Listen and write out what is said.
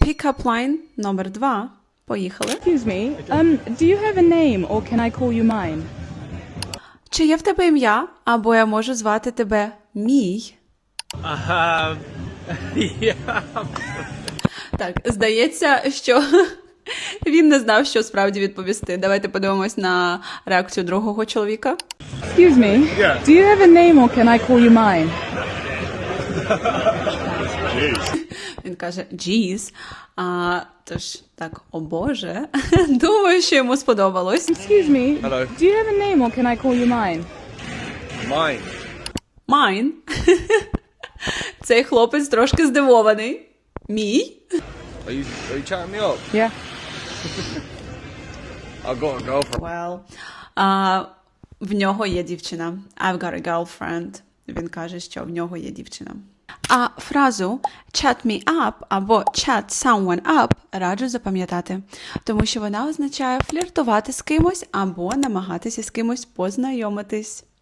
Pick-up line номер 2. Поїхали. Excuse me, do you have a name or can I call you mine? Чи є в тебе ім'я, або я можу звати тебе мій? Yeah. Так, здається, що він не знав, що справді відповісти. Давайте подивимось на реакцію другого чоловіка. Excuse me, Yeah. do you have a name or can I call you mine? Він каже «Jeez». Тож, так, о Боже. Думаю, що йому сподобалось. Excuse me, Hello. do you have a name or can I call you mine? Mine. Mine. Цей хлопець трошки здивований. Мій? Are you chatting me up? Yeah. I've got a girlfriend. Well. В нього є дівчина. I've got a girlfriend. Він каже, що в нього є дівчина. А фразу chat me up або chat someone up раджу запам'ятати, тому що вона означає фліртувати з кимось або намагатися з кимось познайомитись.